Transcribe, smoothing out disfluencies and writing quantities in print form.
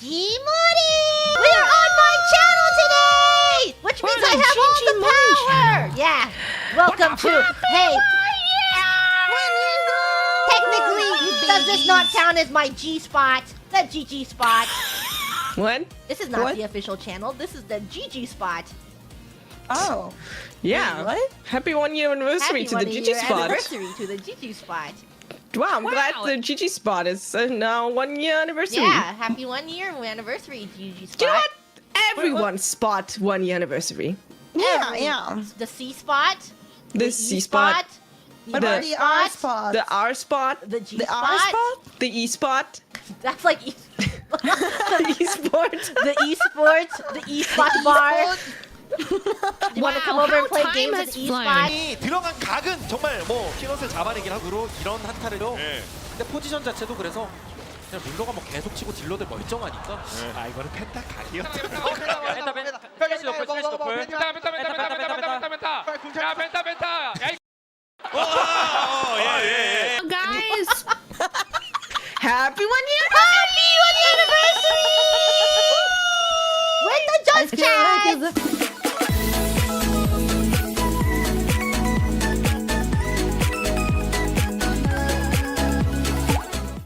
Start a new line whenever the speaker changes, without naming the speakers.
Gmori! We're on my channel today! Which means I have all the power! Yeah. Welcome to... Hey. Technically, does this not count as my G spot? The GG spot.
What?
This is not
What?
the official channel. This is the GG spot.
Oh.
Yeah.
What?
Happy 1 year anniversary
Happy
to the
1
GG
year
spot.
anniversary to the GG spot.
Wow, I'm glad the GG spot is now 1 year anniversary.
Yeah, happy 1 year anniversary, GG spot.
Do you know what? Everyone's spot 1 year anniversary.
Yeah, yeah.
The C spot.
The
E
C spot,
What about the R spot?
the R spot,
The G
The
spot.
R spot?
the E spot,
That's like E.
the E sport.
The esports, the e-spot bar. Do you want to come over and play games with e-spot?
이 들어간 각은 정말 뭐 피넛을 잡아내긴 하고 이런 한타를요.
네.
근데 포지션 자체도 그래서 그냥 룰러가 뭐 계속 치고 딜러들 멀쩡하니까 아 이거는 펜타 각이었다.
Guys,
Happy 1 year
Happy 1 year anniversary! With the
I
Just
feel like
Chat!
it's a